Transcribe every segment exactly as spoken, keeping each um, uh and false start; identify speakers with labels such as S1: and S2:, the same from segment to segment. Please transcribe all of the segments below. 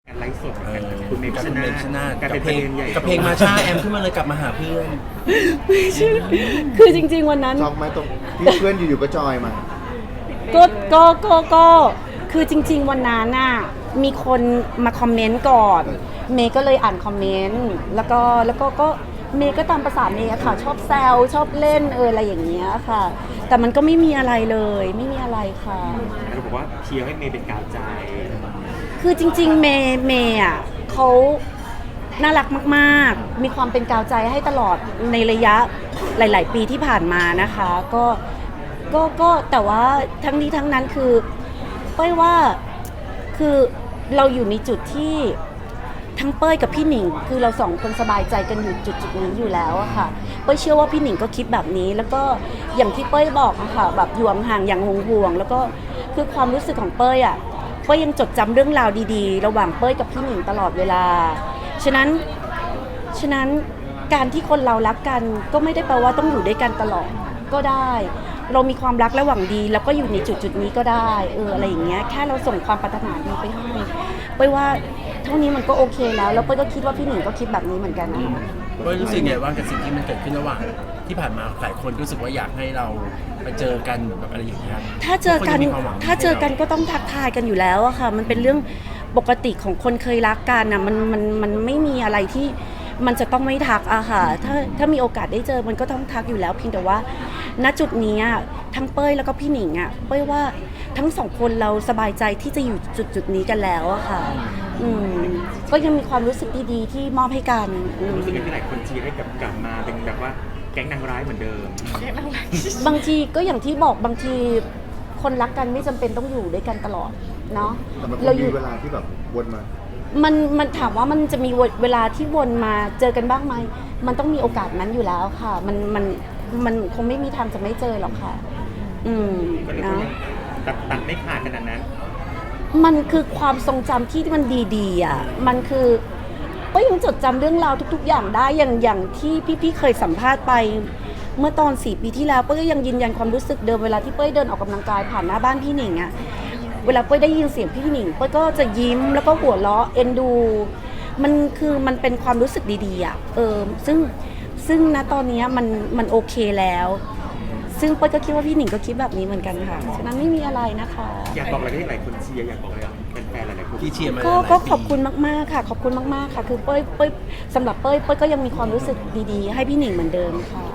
S1: การไลฟ์สดคุณเมย์ชนะชนะการเป็นเพลงใหญ่
S2: กับเพลงมาชาแอมขึ้นมาเลยกลับมาหาเพื่อน
S3: ไม่ใช่คือจริงๆวันนั้น
S4: จองมาตรงที่เพื่อนอยู่ๆก็จอยมา
S3: ก็ก็ก็ก็คือจริงๆวันนั้นน่ะมีคนมาคอมเมนต์ก่อนเมย์ก็เลยอ่านคอมเมนต์แล้วก็แล้วก็ก็เมย์ก็ตามภาษาเมย์ค่ะชอบแซวชอบเล่นเอออะไรอย่างเงี้ยค่ะแต่มันก็ไม่มีอะไรเลยไม่มีอะไรค่ะ
S1: เราบอกว่าเชียร์ให้เมย์เป็นกาวใจ
S3: คือจริงๆเมย์เมย์อ่ะเขาน่ารักมากๆมีความเป็นกาวใจให้ตลอดในระยะหลายๆปีที่ผ่านมานะคะก็ก็ก็แต่ว่าทั้งนี้ทั้งนั้นคือเป้ยว่าคือเราอยู่ในจุดที่ทั้งเป้ยกับพี่หนิงคือเราสองคนสบายใจกันอยู่จุดจุดนี้อยู่แล้วอะค่ะเป้ยเชื่อว่าพี่หนิงก็คิดแบบนี้แล้วก็อย่างที่เป้ยบอกอะค่ะแบบอยู่ห่างอย่างห่วงๆแล้วก็คือความรู้สึกของเป้ยอะเป้ยยังจดจำเรื่องราวดีๆระหว่างเป้ยกับพี่หนิงตลอดเวลาฉะนั้นฉะนั้นการที่คนเรารักกันก็ไม่ได้แปลว่าต้องอยู่ด้วยกันตลอดก็ได้เรามีความรักและหวังดีแล้วก็อยู่ในจุดจุดนี้ก็ได้เอออะไรอย่างเงี้ยแค่เราส่งความปรารถนาดีไปให้เป้ยว่าเท่านี้มันก็โอเคแล้วแล้วเป้ยก็คิดว่าพี่หนิงก็คิดแบบนี้เหมือนกันนะคะ
S2: เป้ยรู้สึกไงว่ากับสิ่งที่มันเกิดขึ้นระหว่างที่ผ่านมาหลายคนรู้สึกว่าอยากให้เราไปเจอกันแบบอะไรอย่างเงี้ย
S3: ถ้าเจอกันถ้าเจอกันก็ต้องทักทายกันอยู่แล้วอะค่ะมันเป็นเรื่องปกติของคนเคยรักกันอะมันมันมันไม่มีอะไรที่มันจะต้องไม่ทักอะค่ะถ้าถ้ามีโอกาสได้เจอมันก็ต้องทักอยู่แล้วเพียงแต่ว่าณจุดนี้ทั้งเป้ยแล้วก็พี่หนิงอะเป้ยว่าทั้งสองคนเราสบายใจที่จะอยู่จุดจุดนี้กันแล้วอะค่ะอืมก็ยังมีความรู้สึกดีๆที่มอบให้กัน
S1: รู้สึกอย่างที่หลายคนเชียร์ให้กลับกลับมาเป็นแบบว่าแก๊งนางร้ายเหมือนเดิม
S3: บางทีก็อย่างที่บอกบางทีคนรักกันไม่จำเป็นต้องอยู่ด้วยกันตลอดเนาะ
S4: เราอยู่เวลาที่แบบวนมา
S3: มันมันถามว่ามันจะมีเวลาที่วนมาเจอกันบ้างไหมมันต้องมีโอกาสนั้นอยู่แล้วค่ะมันมันมันคงไม่มีทางจะไม่เจอหรอกค่ะอืมนะ
S1: ตัดตัดไม่ขาดขนาดนั้น
S3: มันคือความทรงจำที่มันดีๆอ่ะมันคือก็ยังจดจำเรื่องราวทุกๆอย่างได้อย่างอย่างที่พี่ๆเคยสัมภาษณ์ไปเมื่อตอนสี่ปีที่แล้วเป้ยก็ยังยืนยันความรู้สึกเดิมเวลาที่เป้ยเดินออกกำลังกายผ่านหน้าบ้านพี่หนิงอ่ะเวลาเป้ยได้ยินเสียงพี่หนิงเป้ยก็จะยิ้มแล้วก็หัวเราะเอ็นดูมันคือมันเป็นความรู้สึกดีๆอ่ะเออซึ่งซึ่งณตอนนี้มันมันโอเคแล้วซึ่งเป้ยก็คิดว่าพี่หนิงก็คิดแบบนี้เหมือนกันค่ะฉะนั้นไม่มีอะไรนะคะ
S1: อยากบอกอะไรที่หลายคนเชียร์อยากบอกอะไรเป็นแฟนหลายคน
S2: ที่เชียร์มา
S3: ก็ก็ขอบคุณมากๆค่ะขอบคุณมากๆค่ะคือเป้ยเป้ยสำหรับเป้ยเป้ยก็ยังมีความรู้สึกดีๆให้พี่หนิงเหมือนเดิมค่ะ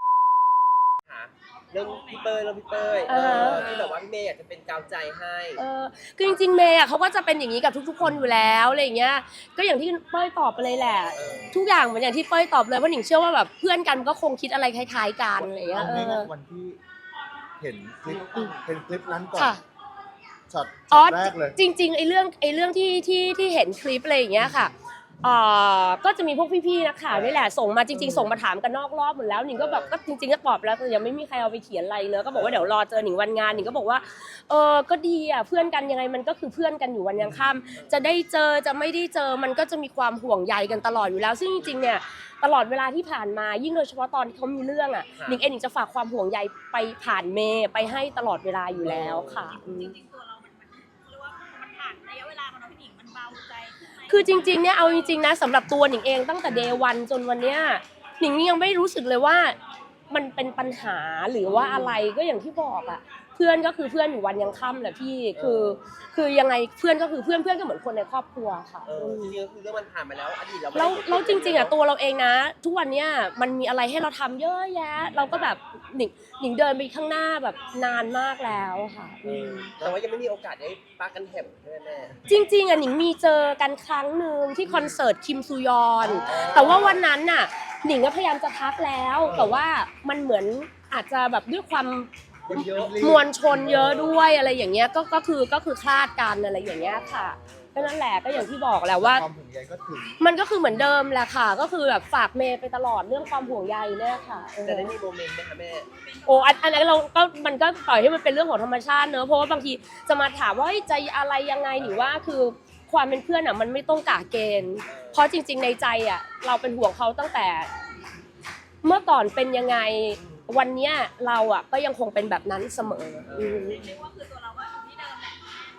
S5: เรื่องพี่เป้ยเรื่องพี่เป้ยที่แบบว่าพี่เมย์อยากจะเป็นกาวใจให้
S6: เออคือจริงๆเมย์อ่ะเขาก็จะเป็นอย่างนี้กับทุกๆคนอยู่แล้วอะไรอย่างเงี้ยก็อย่างที่เป้ยตอบไปเลยแหละทุกอย่างเหมือนอย่างที่เป้ยตอบเลยว่าหนิงเชื่อว่าแบบเพื่อนกันก็คงคิดอะไรคล้ายๆกันอะไรอย่างเงี้ยเออ
S4: วันที่เห็นคลิปเป็นคลิปนั้นก่อนช็อตแรกเลย
S6: จริงๆไอ้เรื่องไอ้เรื่องที่ที่ที่เห็นคลิปอะไรอย่างเงี้ยค่ะเอ่อก็จะมีพวกพี่ๆนักข่าวนี่แหละส่งมาจริงๆส่งมาถามกันนอกรอบหมดแล้วหนิงก็แบบก็จริงๆก็ตอบแล้วแต่ยังไม่มีใครเอาไปเขียนอะไรเลยก็บอกว่าเดี๋ยวรอเจอหนิงวันงานหนิงก็บอกว่าเออก็ดีอ่ะเพื่อนกันยังไงมันก็คือเพื่อนกันอยู่วันยังค่ำจะได้เจอจะไม่ได้เจอมันก็จะมีความห่วงใยกันตลอดอยู่แล้วซึ่งจริงๆเนี่ยตลอดเวลาที่ผ่านมายิ่งโดยเฉพาะตอนที่เขามีเรื่องอ่ะหนิงเองหนิงจะฝากความห่วงใยไปผ่านเมย์ไปให้ตลอดเวลาอยู่แล้วค่ะคือจริงๆเนี่ยเอาจริงๆนะสำหรับตัวหนิงเองตั้งแต่เดย์วันจนวันเนี้ยหนิงยังไม่รู้สึกเลยว่ามันเป็นปัญหาหรือว่าอะไรก็อย่างที่บอกอะเพื่อนก็คือเพื่อนอยู่วันยังค่ำแหละพี่คือคือยังไงเพื่อนก็คือเพื่อนเพื่อนก็เหมือนคนในครอบครัวค่ะ
S5: เออจริงๆคือเรื่องมันผ่านมาแล้วอดีตเรา
S6: แล้วแล้วจริงๆอะตัวเราเองนะทุกวันเนี้ยมันมีอะไรให้เราทำเยอะแยะเราก็แบบหนิงหนิงเดินไปข้างหน้าแบบนานมากแล้วค่ะ
S5: แต่ว่ายังไม่มีโอกาสได้ปากันแถบใช่ไหม
S6: จริงๆอะหนิงมีเจอกันครั้งหนึ่งที่คอนเสิร์ตคิมซูยอนแต่ว่าวันนั้นน่ะหนิงก็พยายามจะทักแล้วแต่ว่ามันเหมือนอาจจะแบบด้วยความมวลชนเยอะด้วยอะไรอย่างเงี้ยก็ก็คือก็คือคลาดกันอะไรอย่างเงี้ยค่ะก็นั่นแหละก็อย่างที่บอกแหละว่ามันก็คือเหมือนเดิมแหละค่ะก็คือแบบฝากเมย์ไปตลอดเรื่องความห่วงใยเนี่ยค่ะ
S5: แต่ได้มีโมเมนต์ไหมคะแม่
S6: โอ้อันนั้นเราก็มันก็ปล่อยให้มันเป็นเรื่องของธรรมชาติเนอะเพราะว่าบางทีจะมาถามว่าใจอะไรยังไงหรือว่าคือความเป็นเพื่อนอ่ะมันไม่ต้องกะเกณฑ์เพราะจริงๆในใจอ่ะเราเป็นห่วงเขาตั้งแต่เมื่อก่อนเป็นยังไงวันนี้เราอ่ะก็ยังคงเป็นแบบนั้นเสมอเรียกว่าคือตัวเราก็อยู่ที่เดิมแหละ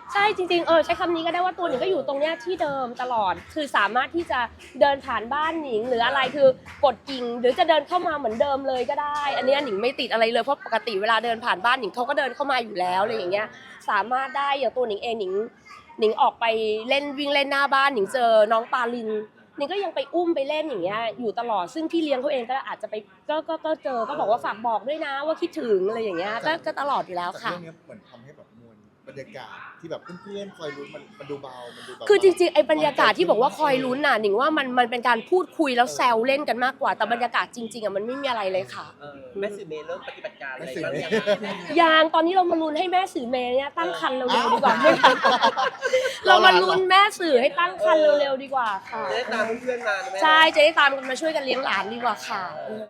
S6: ใช่จริงๆเออใช้คำนี้ก็ได้ว่าตัวหนิงก็อยู่ตรงเนี้ยที่เดิมตลอดคือสามารถที่จะเดินผ่านบ้านหนิงหรืออะไรคือกดกิ่งหรือจะเดินเข้ามาเหมือนเดิมเลยก็ได้ อันเนี้ยหนิงไม่ติดอะไรเลยเพราะปกติเวลาเดินผ่านบ้านหนิงเขาก็เดินเข้ามาอยู่แล้วอะไรอย่างเงี้ยสามารถได้อย่างตัวหนิงเองหนิงหนิงออกไปเล่นวิ่งเล่นหน้าบ้านหนิงเจอน้องปาลินหนิงก็ยังไปอุ้มไปเล่นอย่างเงี้ยอยู่ตลอดซึ่งพี่เลี้ยงเขาเองก็อาจจะไปก็ก็ก็เจอก็บอกว่าฝากบอกด้วยนะว่าคิดถึงอะไรอย่างเงี้ยก็ก็ตลอดอยู่แล้ว
S4: แต่
S6: ค่ะ
S4: เรื่องนี้เหมือนทำให้แบบมวลบรรยากาศที่แบบเพื่อนๆคอยลุ้นมันมันดูเบามันดูแบบ
S6: คือจริงๆไอ้บรรยากาศที่บอกว่าคอยลุ้นน่ะหนิงว่ามันมันเป็นการพูดคุยแล้วแซวเล่นกันมากกว่าแต่บรรยากาศจริงๆอ่ะมันไม่มีอะไรเลยค่ะ
S5: เออแม่สื่อเมย์เริ่มปฏิบัติการอะไร
S4: แม่สื่อ
S5: บ้าง
S4: เมย์
S5: ยัง
S6: ยางตอนนี้เรามาลุ้นให้แม่สื่อเมย์เนี่ยตั้งครรภ์เร็วๆดีกว่าไหมคะเรามาลุ้นแม่สื่อให้ตั้งครรภ์เร็วๆดีกว่าค่ะ
S5: จะได้ตามเพื่อนๆมาไหม
S6: ใช่จะได้ตามกันมาช่วยกันเลี้ยงหลานดีกว่าค่ะ